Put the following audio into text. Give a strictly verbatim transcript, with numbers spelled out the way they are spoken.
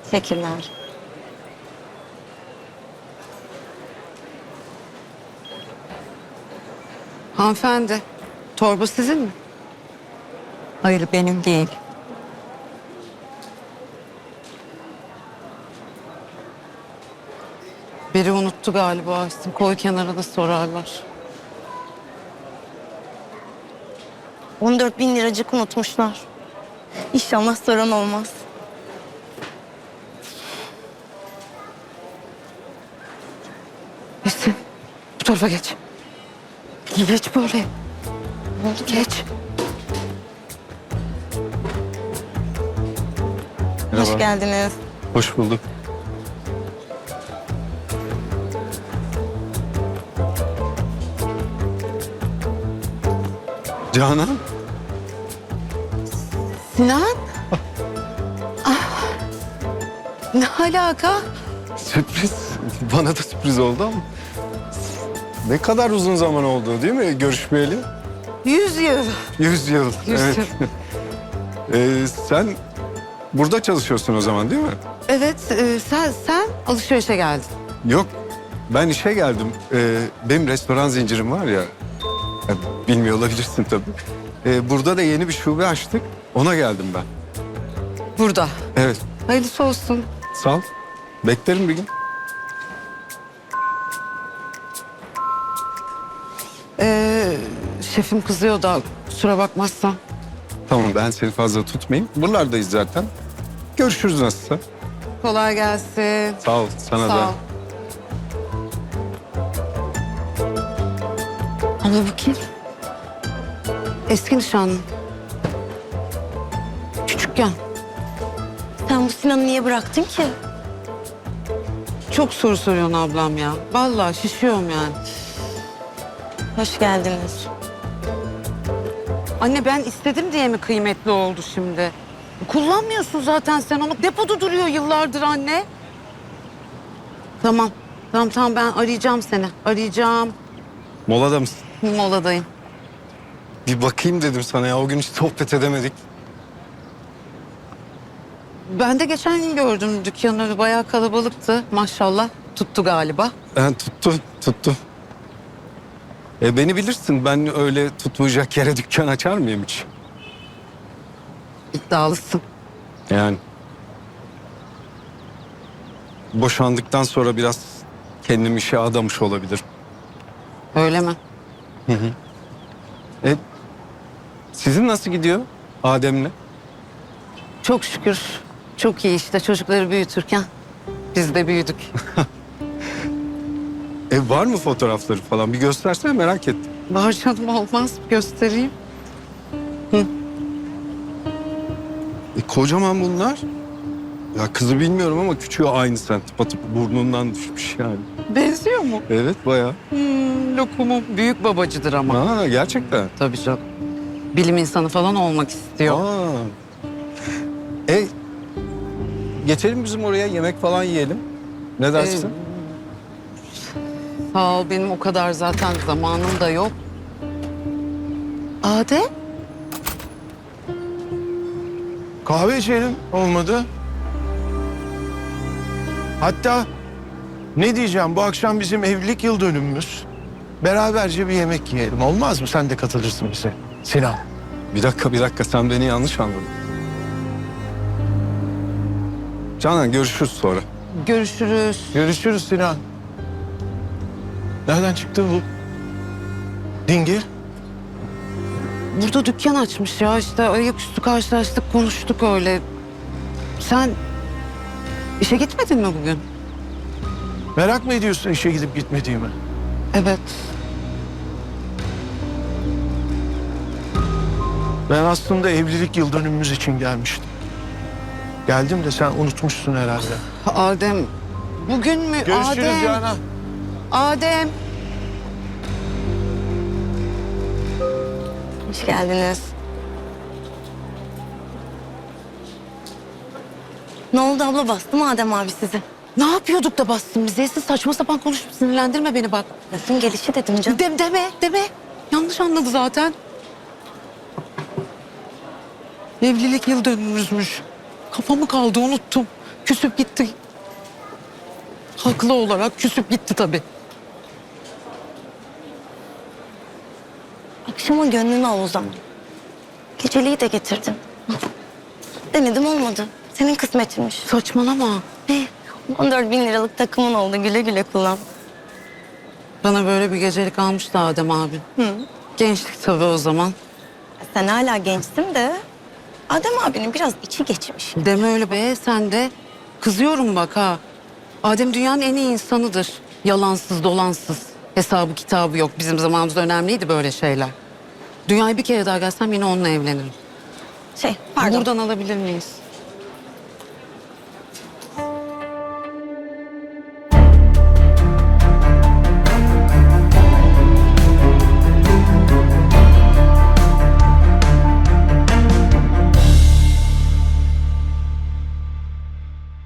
Teşekkürler. Hanımefendi, torba sizin mi? Hayır, benim değil. Biri unuttu galiba. İşte koy kenara da sorarlar. on dört bin liracık unutmuşlar. İnşallah soran olmaz. Neyse, bu tarafa geç. Geç böyle. Geç. Hoş Merhaba. geldiniz. Hoş bulduk. Canan, Sinan? Ah. Ne alaka? sürpriz. Bana da sürpriz oldu ama. Ne kadar uzun zaman oldu değil mi görüşmeyeli? Yüz yıl. Yüz yıl. Yüz evet. yıl. Ee, sen burada çalışıyorsun o zaman değil mi? Evet, e, sen, sen alışverişe geldin. Yok, ben işe geldim. Ee, benim restoran zincirim var ya. ya bilmiyor olabilirsin tabii. Ee, burada da yeni bir şube açtık. Ona geldim ben. Burada. Evet, Hayırlısı olsun. sağ ol. Beklerim bir gün. Ee, şefim kızıyor da kusura bakmazsan. Tamam, ben seni fazla tutmayayım. Buralardayız zaten. Görüşürüz nasılsa. Kolay gelsin. Sağ ol, sana Sağ da. ol. Ama bu kim? Eski nişanlım. Küçükken. Sen bu Sinan'ı niye bıraktın ki? Çok soru soruyorsun ablam ya. Vallahi şişiyorum yani. Hoş geldiniz. Anne ben istedim diye mi kıymetli oldu şimdi? Kullanmıyorsun zaten sen onu. Depoda duruyor yıllardır anne. Tamam. Tamam tamam ben arayacağım seni. Arayacağım. Molada mısın? Moladayım. Bir bakayım dedim sana ya. O gün hiç sohbet edemedik. Ben de geçen gün gördüm dükkanı bayağı kalabalıktı. Maşallah tuttu galiba. Ben tuttu, tuttu. E beni bilirsin. Ben öyle tutmayacak yere dükkan açar mıyım hiç? İddialısın. Yani. Boşandıktan sonra biraz kendim işe adamış olabilir. Öyle mi? E, sizin nasıl gidiyor Adem'le? Çok şükür. Çok iyi işte çocukları büyütürken biz de büyüdük. E var mı fotoğrafları falan? Bir göstersene, merak ettim. Var canım olmaz göstereyim. E, kocaman bunlar. Ya kızı bilmiyorum ama küçüğü aynı sen. Tıpatıp burnundan düşmüş yani. Benziyor mu? Evet bayağı. Hmm, lokumum büyük babacıdır ama. Ha gerçekten. Tabii canım. Bilim insanı falan olmak istiyor. Aa. E geçelim bizim oraya, yemek falan yiyelim. Ne dersin? Sağ ol benim o kadar zaten zamanım da yok. Adem? Kahve içelim, olmadı. Hatta ne diyeceğim, bu akşam bizim evlilik yıl dönümümüz. Beraberce bir yemek yiyelim, olmaz mı? Sen de katılırsın bize Sinan. Bir dakika bir dakika, sen beni yanlış anladın. Canan görüşürüz sonra. Görüşürüz. Görüşürüz Sinan. Nereden çıktı bu dingil? Burada dükkan açmış ya işte ayaküstü karşılaştık konuştuk öyle. Sen işe gitmedin mi bugün? Merak mı ediyorsun işe gidip gitmediğimi? Evet. Ben aslında evlilik yıl dönümümüz için gelmiştim. Geldim de sen unutmuşsun herhalde. Adem bugün mü? Görüşürüz Adem. Canan. Adem. Hoş geldiniz. Ne oldu abla, bastı mı Adem abi sizi? Ne yapıyorduk da bastın bize? Siz saçma sapan konuşup sinirlendirme beni bak. Lafın gelişi dedim canım. De, deme, deme. Yanlış anladı zaten. Evlilik yıl dönümümüzmüş. Kafamı kaldı unuttum. Küsüp gitti. Haklı olarak küsüp gitti tabii. Akşama gönlünü al o zaman. Geceliği de getirdim. Denedim olmadı. Senin kısmetinmiş. Saçmalama. Ne? on dört bin liralık takımın oldu. Güle güle kullan. Bana böyle bir gecelik almıştı Adem abi. Hı. Gençlik tabii o zaman. Sen hala gençsin de Adem abinin biraz içi geçmiş. Deme öyle be, sen de. Kızıyorum bak ha. Adem dünyanın en iyi insanıdır. Yalansız dolansız. Hesabı kitabı yok. Bizim zamanımızda önemliydi böyle şeyler. Dünyaya bir kere daha gelsem yine onunla evlenirim. Şey pardon. Buradan alabilir miyiz?